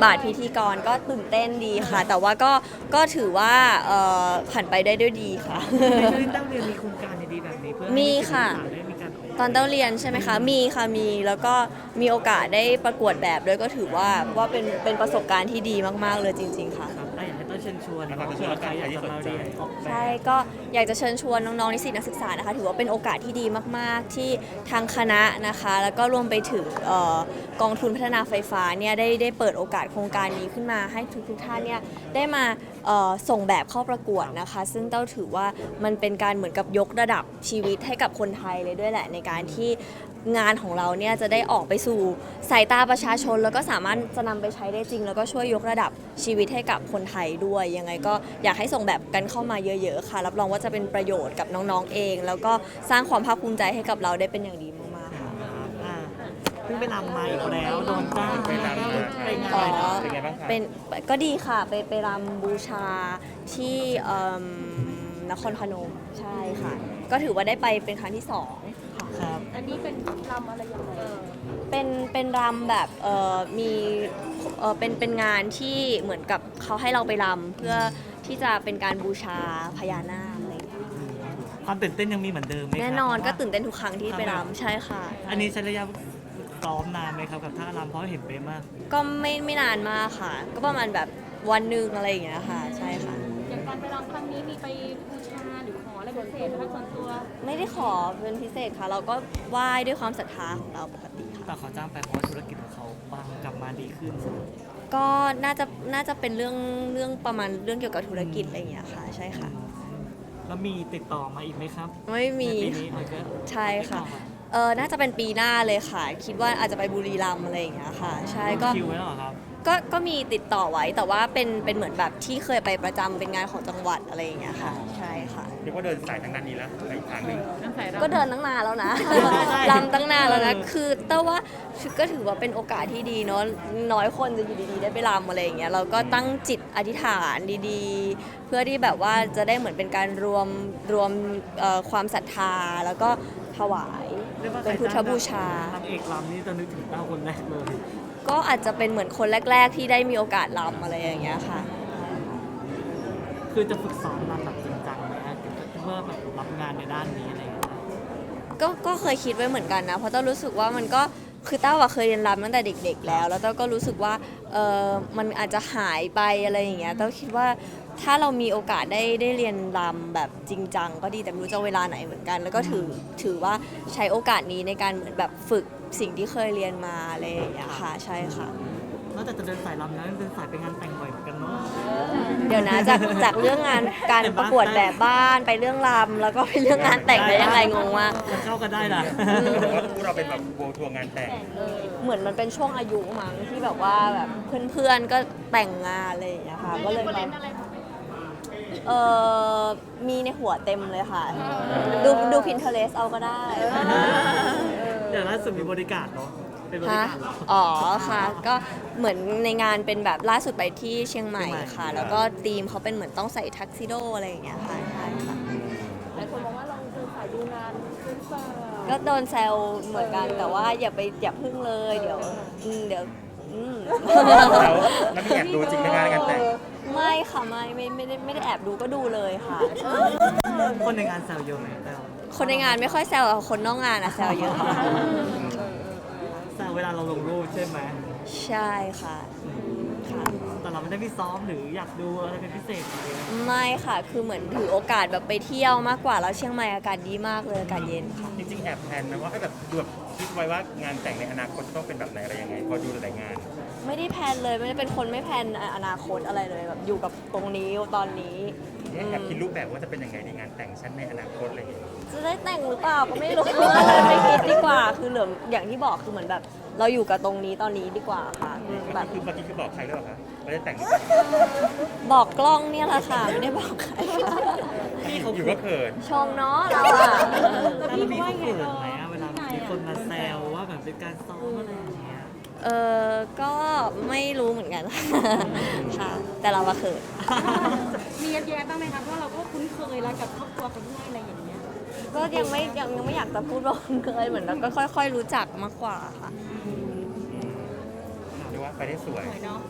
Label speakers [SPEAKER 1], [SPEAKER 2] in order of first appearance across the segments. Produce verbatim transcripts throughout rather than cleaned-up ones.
[SPEAKER 1] บาทพิธีกรก็ตื่นเต้นดีค่ะ แต่ว่าก็ก็ถือว่าเอ่อผ่านไปได้ด้วยดีค่ะ
[SPEAKER 2] ในช่วงที่เต้าเรียนมีโครงการดีๆแบบนี้เพื่อให้
[SPEAKER 1] มีค่ะ
[SPEAKER 2] นักศึกษาได้มีการออก
[SPEAKER 1] ตอนเต้าเรียนใช่ไหมคะ มีค่ะ มี แล้วก็มีโอกาสได้ประกวดแบบด้วยก็ถือว่าว่าเป็นเป็นประสบการณ์ที่ดีมากๆเลยจริง ๆ ค่ะ
[SPEAKER 2] ครับอ่ะอยากให้เต้าเชิญชวน
[SPEAKER 3] นะครับ
[SPEAKER 2] เผื่อใครอยากจะมาเรียนออกแบบ
[SPEAKER 1] ใช่ก็อยากจะเชิญชวนน้องๆนิสิตนักศึกษานะคะถือว่าเป็นโอกาสที่ดีมากๆที่ทางคณะนะคะแล้วก็รวมไปถึงเอ่อกองทุนพัฒนาไฟฟ้าเนี่ยได้ได้เปิดโอกาสโครงการนี้ขึ้นมาให้ทุกๆท่านเนี่ยได้มาเอ่อส่งแบบเข้าประกวดนะคะซึ่งเต้าถือว่ามันเป็นการเหมือนกับยกระดับชีวิตให้กับคนไทยเลยด้วยแหละในการที่งานของเราเนี่ยจะได้ออกไปสู่สายตาประชาชนแล้วก็สามารถจะนำไปใช้ได้จริง แล้วก็ช่วยยกระดับชีวิตให้กับคนไทยด้วยยังไงก็อยากให้ส่งแบบกันเข้ามาเยอะๆค่ะรับรองว่าจะเป็นประโยชน์กับน้องๆเอง แล้วก็สร้างความภาคภูมิใจให้กับเราได้เป็นอย่างดีมากๆค่ะ
[SPEAKER 2] อ่าเพิ่งไปรำมาอีกแล้วโดนจ้าง
[SPEAKER 3] ไปรำมา
[SPEAKER 2] ไปงา
[SPEAKER 1] อ๋
[SPEAKER 2] น
[SPEAKER 1] อ
[SPEAKER 3] เป็นไงบ้างคะ
[SPEAKER 1] เป็นก็ดีค่ะไปไปรำบูชาที่เอิ่มนครพนมใช่ค่ะ ก็ถือว่าได้ไปเป็นครั้งที่สองค่ะ
[SPEAKER 2] ครับ
[SPEAKER 4] อันนี้เป็นรำอะไรยังไง
[SPEAKER 1] เป็นเป็นรำแบบเอ่อมีเอ่อเป็นเป็นงานที่เหมือนกับเขาให้เราไปรำเพื่อที่จะเป็นการบูชาพญานาคอะไรอย่างเงี้ย
[SPEAKER 2] ความตื่นเต้นยังมีเหมือนเดิมไหมครับ
[SPEAKER 1] แน่นอนก็
[SPEAKER 2] เพราะว่า
[SPEAKER 1] ตื่นเต้นทุกครั้งที่ไปรำใช่ค่ะ
[SPEAKER 2] อันนี้ใช้ระยะซ้อมนานไหมครับกับท่ารำเพราะเห็นเป๊ะมาก
[SPEAKER 1] ก็ไม่ไม่นานมากค่ะ ก็ประมาณแบบวันหนึ่งอะไรอย่างเงี้ยค่ะ ใช่ค่ะ
[SPEAKER 4] อย่างการไปรำครั้งนี้มีไปบูชาหรือขออะไรพิเศษนะคะส่วนตัว
[SPEAKER 1] ไม่ได้ขอเป็นพิเศษค่ะ เราก็ไหว้ด้วยความศรัทธาของเราปกติค่ะ
[SPEAKER 2] แต่เขาจ้างไปเพราะว่าธุรกิจของเขาปังกลับมาดีขึ้น
[SPEAKER 1] ก็น่าจะน่าจะเป็นเรื่องเรื่องประมาณเรื่องเกี่ยวกับธุรกิจอะไรอย่างเงี้ยค่ะ ใช่ค่ะ
[SPEAKER 2] แล้วมีติดต่อมาอีกไหมครับ
[SPEAKER 1] ไม่มี
[SPEAKER 2] ในปีนี้มันก็
[SPEAKER 1] ใช่ค่ะเออน่าจะเป็นปีหน้าเลยค่ะ คิดว่าอาจจะไปบุรีรัมย์อะไรอย่างเงี้ยค่ะ ใช่ก็
[SPEAKER 2] คิวไว้แล้วเหรอครับ
[SPEAKER 1] ก็ก็มีติดต่อไว้แต่ว่าเป็นเป็นเหมือนแบบที่เคยไปประจำเป็นงานของจังหวัดอะไรอย่างเงี้ยค่ะ ใช่ค่ะ
[SPEAKER 3] เรียกว่าเดินสายทางด้านนี้แล้วในอีกทางหนึ่ง
[SPEAKER 4] นั่นใส่รำ
[SPEAKER 1] ก็เดินตั้งนานแล้วนะ
[SPEAKER 2] ใช่
[SPEAKER 1] รำตั้งนานแล้วนะ
[SPEAKER 2] เออ
[SPEAKER 1] คือแต่ว่าก็ถือว่าเป็นโอกาสที่ดีเนาะ น้อยคนจะอยู่ดีๆได้ไปรำอะไรอย่างเงี้ย เราก็ตั้งจิตอธิษฐานดีๆ เพื่อที่แบบว่าจะได้เหมือนเป็นการรวมรวมเอ่อความศรัทธาแล้วก็ถวาย
[SPEAKER 2] เรียกว่า
[SPEAKER 1] เป็นพุทธบูชา
[SPEAKER 2] นางเอกรำนี่จะนึกถึงเต้าคนแรกเลย
[SPEAKER 1] ก็อาจจะเป็นเหมือนคนแรก ๆ ที่ได้มีโอกาสรำอะไรอย่างเงี้ยค่ะ
[SPEAKER 2] คือจะฝึกซ้อมรำแบบจริงจังไหมฮะเพื่อแบบรับงานในด้านนี้อะไรอย่างเงี้ย
[SPEAKER 1] ก็ก็เคยคิดไว้เหมือนกันนะ เพราะเต้ารู้สึกว่ามันก็คือเต้าอะเคยเรียนรำตั้งแต่เด็ก ๆ แล้ว แล้วเต้าก็รู้สึกว่าเออมันอาจจะหายไปอะไรอย่างเงี้ยเต้าคิดว่าถ้าเรามีโอกาสได้ได้เรียนรำแบบจริงจังก็ดีแต่ไม่รู้จะเวลาไหนเหมือนกัน แล้วก็ถือถือว่าใช้โอกาสนี้ในการเหมือนแบบฝึกสิ่งที่เคยเรียนมาอะไรอย่างเงี้ยค่ะใช่ค่ะ
[SPEAKER 2] นอกจากจะเดินสายรำแล้วยังเดินสายไปงานแต่งบ่อยเหมือนกันเนาะ
[SPEAKER 1] เดี๋ยวนะจากจากเรื่องงานการ
[SPEAKER 2] เห็นปะ
[SPEAKER 1] ประกวดแบบบ้านไปเรื่องรำแล้วก็ไปเรื่องงานแต่งได้ยังไงงงมาก
[SPEAKER 2] มันเข้ากันได้นะ
[SPEAKER 3] บอกว่าพวกเราเป็นแบบโบทัวร์งานแต่ง
[SPEAKER 1] เหมือนมันเป็นช่วงอายุมั้งที่แบบว่าแบบเพื่อนๆก็แต่งงานอะไรอย่างเงี้ยค่ะก็เลย
[SPEAKER 4] เล่น
[SPEAKER 1] แบบ
[SPEAKER 4] อะไรบ้างไหม
[SPEAKER 1] เออมีในหัวเต็มเลยค่ะ ดูดู Pinterest เอาก็ได้
[SPEAKER 2] เดี๋ยวล่าสุดมีบริการเนาะเป็นบริ
[SPEAKER 1] ฮะ
[SPEAKER 2] การเหรอ
[SPEAKER 1] อ๋อค่ะ ก็เหมือนในงานเป็นแบบล่าสุดไปที่เชียงใหม่
[SPEAKER 2] เชียงใหม่
[SPEAKER 1] ค่ะ แล้วก็ธีมเขาเป็นเหมือนต้องใส่ทักซิโดอะไรอย่างเงี้ยค่ะใช่ค่ะ
[SPEAKER 4] หลายคนมองว่าเราเดินสายดูงานหรือเปล่า
[SPEAKER 1] ก็โดนแซวเหมือนกันแต่ว่าอย่าไปอย่าพึ่งเลยเดี๋ยวอืมเดี๋ยวอืม
[SPEAKER 3] แล้วแล้วมีแอบดูจริงในงานงานแต่ง
[SPEAKER 1] ไม่ค่ะไม่ไม่ไม่ได้ไม่ได้แอบดูก็ดูเลยค่ะ
[SPEAKER 2] คนในงานแซวเยอะไหมแซว
[SPEAKER 1] คนในงานไม่ค่อยแซวอะคนนอกงานอะแซวเยอะค่ะ
[SPEAKER 2] แซวเวลาเราลงรูปใช่ไหม
[SPEAKER 1] ใช่ค่ะค่ะ
[SPEAKER 2] แต่เราไม่ได้ไปซ้อมหรืออยากดูอะไรเป็นพิเศษเลย
[SPEAKER 1] ไม่ค่ะคือเหมือนถือโอกาสแบบไปเที่ยวมากกว่าแล้วเชียงใหม่อากาศดีมากเลยอากาศเย็นค่ะ
[SPEAKER 3] จริงๆแอบแพลนนะว่าให้แบบดูแบบคิดไว้ว่างานแต่งในอนาคตต้องเป็นแบบไหนอะไรยังไง พอดูหลายๆงาน
[SPEAKER 1] ไม่ได้แพลนเลยไม่ได้เป็นคนไม่แพลนอนาคตอะไรเลยแบบอยู่กับตรงนี้ตอนนี้
[SPEAKER 3] แอบคิดรูปแบบว่าจะเป็นยังไงในงานแต่งชั้นในอนาคตอะไรอย่างเงี้ย
[SPEAKER 1] จะได้แต่งหรือเปล่าก็ไม่รู้ ไม่คิดดีกว่า คือเหลืออย่างที่บอกคือเหมือนแบบ เราอยู่กับตรงนี้ตอนนี้ดีกว่าค่ะคือแบ
[SPEAKER 3] เมื่
[SPEAKER 1] บ
[SPEAKER 3] อกี้คือเมื่อกี้คือบอกใครหรือเปล่าคะว่าจะแต่ง
[SPEAKER 1] บอกกล้องเนี่ยแหละค่ะไม่ได้บอกใคร
[SPEAKER 2] พี่เขา
[SPEAKER 3] อยู่ก็เขิน
[SPEAKER 1] ชมเนาะเราอะ
[SPEAKER 2] แล้วพี่เขาเขินไหมอะเวลามีคนมาแซวว่าแบบเป็นการซ้อมอะไรอย่างเงี้ย
[SPEAKER 1] เออก็ไม่รู้เหมือนกัน ค่ะ แต่เราอะเขิน
[SPEAKER 4] มีแย้มๆบ้างไหมคะเพราะเราก็คุ้นเคยแล้วกับครอบครัวเขาด้วยอะไรอย่างเงี้ย
[SPEAKER 1] ก็ยังไม่ยังยังไม่อยากจะพูดว่าคุ้นเคยเหมือนเราก็ค่อย ๆ รู้จักมากกว่าค่ะ
[SPEAKER 3] เรียกว่าไปได้สวย
[SPEAKER 4] สวยเนาะ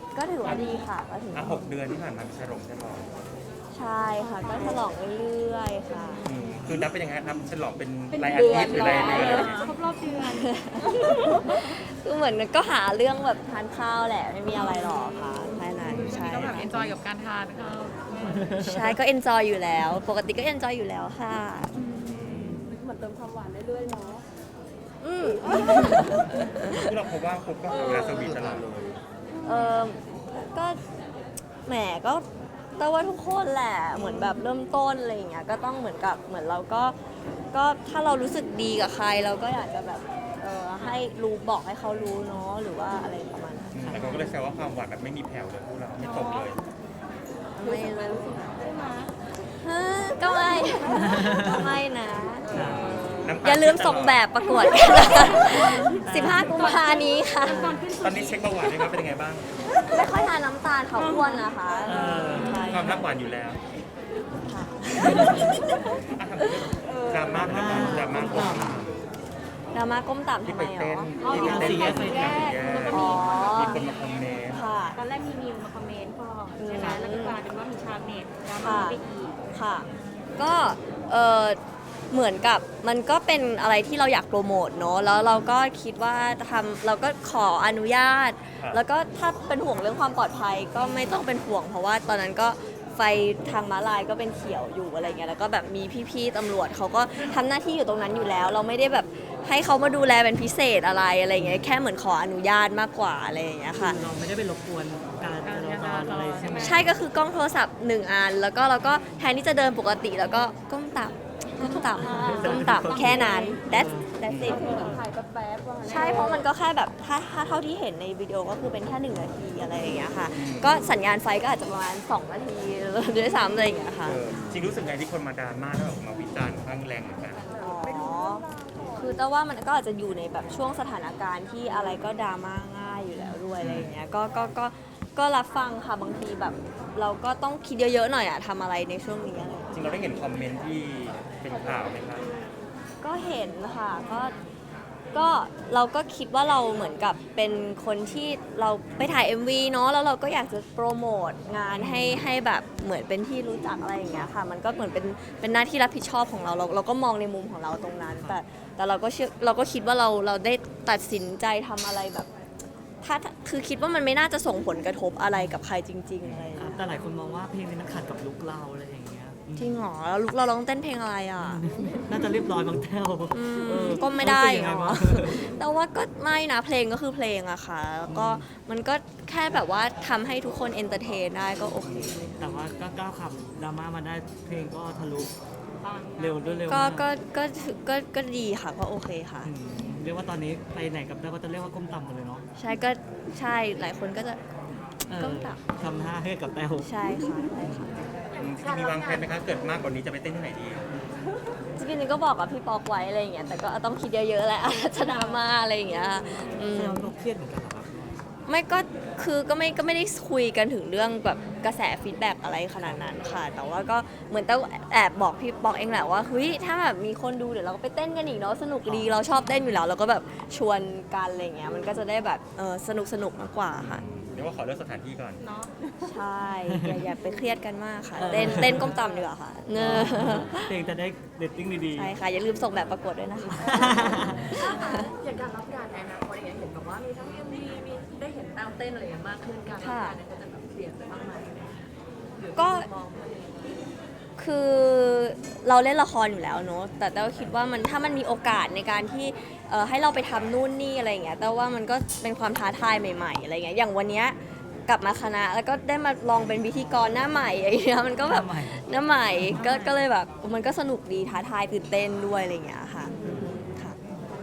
[SPEAKER 1] ก็ถือว่าดีค่ะก็ถือ
[SPEAKER 3] อ่ะ
[SPEAKER 1] ว่า
[SPEAKER 3] หกเดือนที่ผ่านมามีฉลองใช่ไหม
[SPEAKER 1] ใช่ค่ะก็ฉลองเรื่อยๆค่ะ
[SPEAKER 3] อืมคือนับเป็นยังไงครับฉลองเป็น
[SPEAKER 4] เป็น
[SPEAKER 3] รายอา
[SPEAKER 4] เดือ
[SPEAKER 3] ทิ
[SPEAKER 4] น
[SPEAKER 3] ตย์หรือรายเดือนอะไรอย่างเงี้ย
[SPEAKER 4] ครบรอบเดือน
[SPEAKER 1] คือเหมือนก็หาเรื่องแบบทานข้าวแหละไม่มีอะไรหรอกค่ะแค่นั้นใช่
[SPEAKER 5] ก็แบบ
[SPEAKER 1] ค่ะ
[SPEAKER 5] เอนจอยกับการทานข้าว
[SPEAKER 1] ใช่ก็เอนจอยอยู่แล้ว ปกติก็เอนจอยอยู่แล้วค่ะ
[SPEAKER 4] เหมือนเติมความหวานเรื่อยๆเนาะ
[SPEAKER 1] อืม
[SPEAKER 3] คือเราพบว่าคุกก็หาเวลาสวีทตลอดเลย
[SPEAKER 1] เออก็แหมก็แต่ว่าทุกคนแหละเหมือนแบบเริ่มต้นอะไรอย่างเงี้ยก็ต้องเหมือนกับเหมือนเราก็ก็ถ้าเรารู้สึกดีกับใครเราก็อยากจะแบบเออให้รู้บอกให้เขารู้เนาะหรือว่าอะไรประมาณนั้น
[SPEAKER 3] อืมแต่เขาก็เลยแซวว่าความหวานแบบไม่มีแผ่วเลยพวกเราไม่ตกเลย
[SPEAKER 1] ไม่เลย
[SPEAKER 4] ใช่ไหม
[SPEAKER 1] ฮะก็ไม่ก็ไม่นะ
[SPEAKER 3] น้ำต
[SPEAKER 1] อย่าลืมส่งแบบประกวดกันนะคะสิบห้ากุมภานี้ค่ะ
[SPEAKER 4] ก่อนขึ้น
[SPEAKER 3] ตอนนี้เช็คเบาหวานด้วยครับเป็นยังไงบ้าง
[SPEAKER 1] ไม่ค่อยทานน้ำตาลเขาอ้วนนะคะ
[SPEAKER 2] เออ
[SPEAKER 1] ใช่
[SPEAKER 3] ความรักหวานอยู่แล้ว
[SPEAKER 1] ค่ะ
[SPEAKER 3] อ่ะทำเรื่องดราม่านะครับดราม่าคน
[SPEAKER 1] ดราม่าก้มต่ำ
[SPEAKER 3] ที่
[SPEAKER 1] ทำ
[SPEAKER 3] ไป
[SPEAKER 1] ไมหร
[SPEAKER 3] เต้น
[SPEAKER 1] อ
[SPEAKER 3] ที่ไปเต้น
[SPEAKER 2] สี่แยก
[SPEAKER 3] สี่แยก
[SPEAKER 1] อ๋อ
[SPEAKER 3] มีคนมาคอมเมนต์
[SPEAKER 1] ค่ะ
[SPEAKER 4] ตอนแรกมีมิวมาคอมเมนต์ก่อนใช่ไหมแล้วก็กลายเป็นว่ามีชาวเน็ตดราม่าไปอีก
[SPEAKER 1] ค่ะ ก็เออเหมือนกับมันก็เป็นอะไรที่เราอยากโปรโมทเนอะแล้วเราก็คิดว่าทำเราก็ขออนุญาต แล้วก็ถ้าเป็นห่วงเรื่องความปลอดภัยก็ไม่ต้องเป็นห่วง เพราะว่าตอนนั้นก็ไฟทางม้าลายก็เป็นเขียวอยู่อะไรเงี้ยแล้วก็แบบมีพี่ๆตำรวจเขาก็ทำหน้าที่อยู่ตรงนั้นอยู่แล้ว เราไม่ได้แบบให้เขามาดูแลเป็นพิเศษอะไรอะไรเงี้ยแค่เหมือนขออนุญาตมากกว่าอะไรอย่างเงี้ยค่ะ
[SPEAKER 2] เราไม่ได้ไปรบกวนการจราจรอะไรใช่ไหม
[SPEAKER 1] ใช่ก็คือกล้องโทรศัพท์หนึ่งอัน แล้วก็เราก็แทนที่จะเดินปกติแล้วก็ก้มต่ำก้มต่ำก้มต่ำแค่นั้น that's that's it
[SPEAKER 4] ถ่ายแป๊บๆว่างั้น
[SPEAKER 1] ใช่เพราะมันก็แค่แบบถ้าถ้าเท่าที่เห็นในวิดีโอก็คือเป็นแค่หนึ่งนาทีอะไรอย่างเงี้ยค่ะ ก็สัญญาณไฟก็อาจจะประมาณสองนาทีด้วยซ้ำอะไรอย่างเงี้ยค่ะ
[SPEAKER 3] เออจริงรู้สึกไงที่คนมาดราม่าแล้วออกมาวิจารณ์ข้างแรงเหมือนกัน
[SPEAKER 1] อ๋อคือแต่ว่ามันก็อาจจะอยู่ในแบบช่วงสถานการณ์ที่อะไรก็ดราม่าง่ายอยู่แล้วด้วยอะไรอย่างเงี้ยก็ก็ก็ก็รับฟังค่ะบางทีแบบ เราก็ต้องคิดเยอะๆหน่อยอะทำอะไรในช่วงนี้อะไรอย่างเงี้ย
[SPEAKER 3] จริงเราได้เห็นคอมเมนต์ที่เป็นข่าวไหมครับ
[SPEAKER 1] ก็เห็นค่ะก็ก็เราก็คิดว่าเราเหมือนกับเป็นคนที่เราไปถ่าย เอ็ม วี เนาะแล้วเราก็อยากจะโปรโมทงานให้ให้แบบเหมือนเป็นที่รู้จักอะไรอย่างเงี้ยค่ะ มันก็เหมือนเป็นเป็นหน้าที่รับผิดชอบของเราเรา เราก็มองในมุมของเราตรงนั้น แต่แต่เราก็เชื่อเราก็คิดว่าเราเราได้ตัดสินใจทำอะไรแบบถ้าคือคิดว่ามันไม่น่าจะส่งผลกระทบอะไรกับใครจริงๆอะไรอย่างเงี้ย
[SPEAKER 2] แต่หลายคนมองว่าเพลงนี้มันขัดกับลุคเราอะไรอย่างเงี้ย
[SPEAKER 1] จริงเหรอแล้วลูกเราร้องเต้นเพลงอะไรอ่ะ
[SPEAKER 2] น่าจะเรียบร้อยบางแต้ว
[SPEAKER 1] อืม
[SPEAKER 2] เออ
[SPEAKER 1] ก็ไม่ได้
[SPEAKER 2] รู้สึกยังไง
[SPEAKER 1] เนาะ
[SPEAKER 2] บ้าง
[SPEAKER 1] แต่ว่าก็ไม่นะเพลงก็คือเพลงอะค่ะแล้วก็มันก็แค่แบบว่าทำให้ทุกคนเอนเตอร์เทนได้ก็โอเค
[SPEAKER 2] แต่ว่าก็ก้าวขับดราม่ามาได้เพลงก็ทะลุเร็วด้วยเร็ว
[SPEAKER 1] ก็
[SPEAKER 2] มาก
[SPEAKER 1] ก็ก็ถือก็ก็ดีค่ะก็โอเคค่ะ
[SPEAKER 2] อืมเรียกว่าตอนนี้ไปไหนกับแต้วก็จะเรียกว่าก้มต่ำหมดเลยเนาะ
[SPEAKER 1] ใช่ก็ใช่หลายคนก็จะ
[SPEAKER 2] เออ
[SPEAKER 1] ก้มต่ำ
[SPEAKER 2] ทำท่าให้กับแต้ว
[SPEAKER 1] ใช่ค่ะใช่ค่ะ
[SPEAKER 3] มีวางแผนไหมคะเกิดมากกว่านี้จะไปเต้นที่ไหนดี
[SPEAKER 1] จริงๆก็บอกกับพี่ปอกไว้อะไรอย่างเงี้ยแต่ก็ต้องคิดเยอะๆแหละ จะดราม่าอะไรอย่างเงี้ยอืม
[SPEAKER 2] แต้วก็เครียดเหมือนกันเหรอครับ
[SPEAKER 1] ไม่ก็คือก็ไม่ก็ไม่ได้คุยกันถึงเรื่องแบบกระแสฟีดแบ็กอะไรขนาดนั้นค่ะ แต่ว่าก็เหมือนแต่แอบบอกพี่บอกเองแหละว่าเฮ้ยถ้าแบบมีคนดูเดี๋ยวเราก็ไปเต้นกันอีกเนาะสนุกดีเราชอบเต้นอยู่แล้วเราก็แบบชวนกันอะไรเงี้ยมันก็จะได้แบบเออสนุกสนุกมากกว่าค่ะ
[SPEAKER 3] เดี๋ยวว่าขอเลือกสถานที่ก่อน
[SPEAKER 4] เนาะ
[SPEAKER 1] ใช่อย่าอย่าไปเครียดกันมากค่ะ เต้นเต้นก้มต่ำดีกว่าค่ะเนอะ
[SPEAKER 2] เพลงจะได้เรตติ้งดี
[SPEAKER 1] ใช่ค่ะอย่าลืมส่งแบบประกวดด้วยนะคะ
[SPEAKER 5] อย่างการรับงานในอนาคตอย่างเงี้ยเห็นแบบว่ามีทั้งเอ็มวีมีได้เห็นแต้วเต้นอะไรอย่างเงี้ยมากขึ้นการรับงานเนี่ยก็จะแบบเปลี่ยนไปมากมายหรือ
[SPEAKER 1] ก็
[SPEAKER 5] มองว่ายังไง
[SPEAKER 1] คือเราเล่นละครอยู่แล้วเนอะแต่แต่ว่าคิดว่ามันถ้ามันมีโอกาสในการที่เอ่อให้เราไปทำนู่นนี่อะไรอย่างเงี้ยแต่ว่ามันก็เป็นความท้าทายใหม่ๆอะไรเงี้ยอย่างวันเนี้ยกลับมาคณะแล้วก็ได้มาลองเป็นพิธีกรหน้าใหม่อะไรเงี้ยมันก็
[SPEAKER 2] ๆ
[SPEAKER 1] แบบ
[SPEAKER 2] ทำไม
[SPEAKER 1] หน้าใหม่ก็ก็เลยแบบมันก็สนุกดีท้าทายตื่นเต้นด้วยอะไรเงี้ยค่ะอือฮึ